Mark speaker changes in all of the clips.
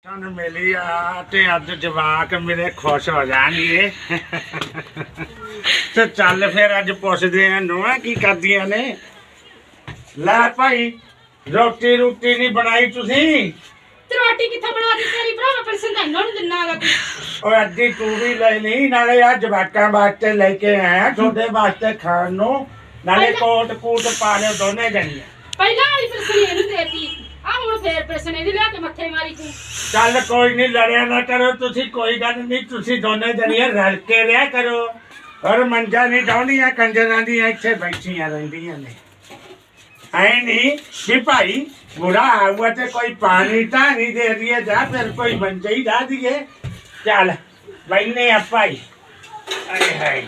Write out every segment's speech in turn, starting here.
Speaker 1: ਸਾਨੂੰ ਮਿਲੀ ਆ ਤੇ ਅੱਜ ਜਵਾਕ ਮੇਰੇ ਖੁਸ਼ ਹੋ ਜਾਣਗੇ ਤੇ ਚੱਲ ਫਿਰ ਅੱਜ ਪੁੱਛਦੇ ਆ ਨੂੰਹਾਂ ਕੀ ਕਰਦੀਆਂ ਨੇ। ਲੈ ਭਾਈ ਰੋਟੀ ਨਹੀਂ ਬਣਾਈ ਤੁਸੀਂ?
Speaker 2: ਤੇ ਰੋਟੀ ਕਿੱਥੇ ਬਣਾ ਦਿੱਤੀ ਤੇਰੀ ਭਰਾ? ਪਰ ਸੰਧਾਈਆਂ ਨੂੰ ਦਿਨਾਗਾ ਤੂੰ।
Speaker 1: ਓਏ ਅੱਧੀ ਤੂੰ ਵੀ ਲੈ ਲਈ, ਨਾਲੇ ਆ ਜਵਾਕਾਂ ਵਾਸਤੇ ਲੈ ਕੇ ਆਇਆ, ਤੁਹਾਡੇ ਵਾਸਤੇ ਖਾਣ ਨੂੰ, ਨਾਲੇ ਕੋਟ ਕੂਟ ਪਾ ਲਿਓ ਦੋਨੇ ਜਣੀਆਂ।
Speaker 2: ਪਹਿਲਾਂ ਵਾਲੀ ਪਰਸਨ ਇਹਨੂੰ ਦੇਤੀ, ਆ ਹੁਣ ਫੇਰ ਪਰਸਨ ਇਹਦੀ ਲਿਆ ਕੇ ਮੱਥੇ ਮਾਰੀ ਤੂੰ।
Speaker 1: ਚੱਲ ਕੋਈ ਨਹੀਂ, ਲੜਿਆ ਨਾ ਕਰੋ ਤੁਸੀਂ, ਕੋਈ ਗੱਲ ਨਹੀਂ, ਤੁਸੀਂ ਦੋਨੇ ਜਣੀਆਂ ਰਲ ਕੇ ਰਿਹਾ ਕਰੋ। ਔਰ ਮੰਜਾ ਨਹੀਂ ਡਾਉਂਦੀਆਂ ਕੰਜਰਾਂ ਦੀਆਂ ਇੱਥੇ ਬੈਠੀਆਂ ਰਹਿੰਦੀਆਂ ਨੇ। ਐ ਨਹੀਂ ਕਿ ਭਾਈ बुरा हुआ तो कोई पानी ता नहीं दे दिए जा, फिर कोई मंजा ही ला दिए। चल बैठने अब भाई। अरे हाय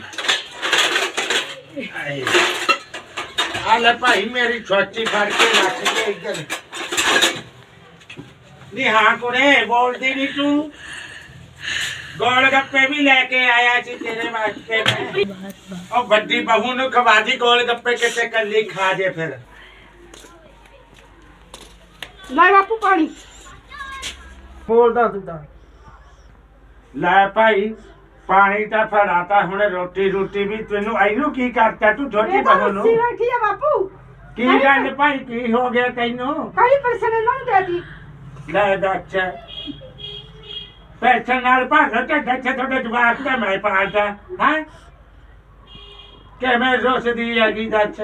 Speaker 1: आले भाई मेरी छोटी फड़ के रख दे इधर। नहीं हाँ कुड़े बोलती नहीं तू, गोलगप्पे भी लेके आया सी तेरे वास्ते में। और बड़ी बहू ने खवा दी गोलगप्पे, कितने कली खा दे फिर।
Speaker 2: ਲੈ ਬਾਪੂ ਪਾਣੀ
Speaker 1: ਬੋਲਦਾ ਤੂੰ ਤਾਂ। ਲੈ ਭਾਈ ਪਾਣੀ ਤਾਂ ਫੜਾਤਾ, ਹੁਣ ਰੋਟੀ ਵੀ ਤੈਨੂੰ ਇਹਨੂੰ ਕੀ ਕਰਤਾ ਤੂੰ ਛੋਟੀ ਬਹੂ ਨੂੰ?
Speaker 2: ਬੈਠੀ ਆ ਬਾਪੂ।
Speaker 1: ਕੀ ਗੱਲ ਭਾਈ ਕੀ ਹੋ ਗਿਆ ਤੈਨੂੰ?
Speaker 2: ਕਈ ਪਰਸਨ ਇਹਨਾਂ ਨੂੰ ਦੇਤੀ।
Speaker 1: ਲੈ ਦੱਸ ਪੈਸੇ ਨਾਲ ਭਾਗਾ ਤੇ ਦੱਸ ਤੁਹਾਡੇ ਜਵਾਕ ਤਾਂ ਮੈਂ ਪਾਲਦਾ ਹਾਂ ਕਿਵੇਂ ਰੋਸਦੀ ਆ ਕੀ ਦੱਸ?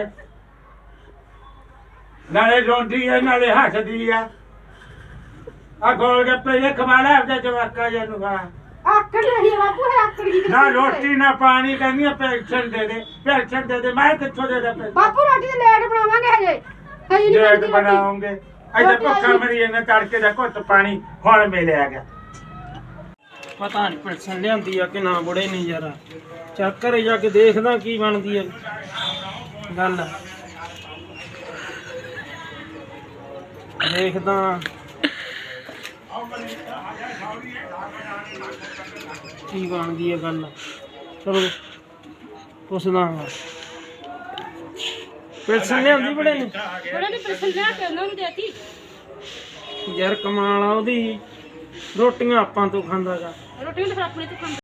Speaker 1: ਨਾਲੇ ਰੋਂਦੀ ਆ ਨਾਲੇ ਹੱਸਦੀ ਆ। ਆ ਗੋਲ ਗੱਪੇ ਜੇ ਖਵਾਲਾ ਆਪਦੇ ਜਵਾਕਾਂ ਜੇ ਨੂੰ ਖਾ।
Speaker 2: ਆਕੜ ਰਹੀ ਆ ਬਾਪੂ, ਹੈ ਆਕੜ ਗਈ।
Speaker 1: ਨਾ ਰੋਟੀ ਨਾ ਪਾਣੀ, ਕਹਿੰਦੀ ਆ ਪੈਨਸ਼ਨ ਦੇ ਦੇ, ਪੈਨਸ਼ਨ ਦੇ ਦੇ। ਮੈਂ ਕਿੱਥੋਂ ਦੇ ਦੇ ਪੈਸੇ?
Speaker 2: ਬਾਪੂ ਰੋਟੀ ਤੇ ਲੇਟ ਬਣਾਵਾਂਗੇ ਹਜੇ
Speaker 1: ਲੇਟ ਬਣਾਉਂਗੇ। ਇੱਥੇ ਭੁੱਖਾ ਮਰੀ ਇਹਨੇ ਤੜਕੇ ਦਾ ਘੁੱਟ ਪਾਣੀ ਹੁਣ ਮਿਲਿਆ ਗਿਆ।
Speaker 3: ਪਤਾ ਨਹੀਂ ਪੈਨਸ਼ਨ ਲਿਆਂਦੀ ਆ ਕਿ ਨਾ ਬੁੜੇ ਨਹੀਂ ਯਾਰ। ਚੱਕ ਘਰੇ ਜਾ ਕੇ ਦੇਖਦਾ ਕੀ ਬਣਦੀ ਆ ਗੱਲ, ਦੇਖਦਾ ਕੀ ਬਣਦੀ ਆ ਗੱਲ। ਚਲੋ ਪੁੱਛਦਾ ਹਾਂ। ਪੈਨਸ਼ਨ ਲਿਆਂਦੀ ਬੜੇ ਨੇ?
Speaker 2: ਉਹਨਾਂ ਨੇ ਪਰਸਨ ਲਿਆ ਕੇ ਉਹਨਾਂ ਨੂੰ ਦੇਤੀ।
Speaker 3: ਯਾਰ ਕਮਾਲ ਆ ਉਹਦੀ, ਰੋਟੀਆਂ ਆਪਾਂ ਤੋਂ ਖਾਂਦਾ ਗਾ।
Speaker 2: ਰੋਟੀ ਨੂੰ ਫਿਰ ਆਪਣੇ ਤੋਂ ਖਾਂਦਾ।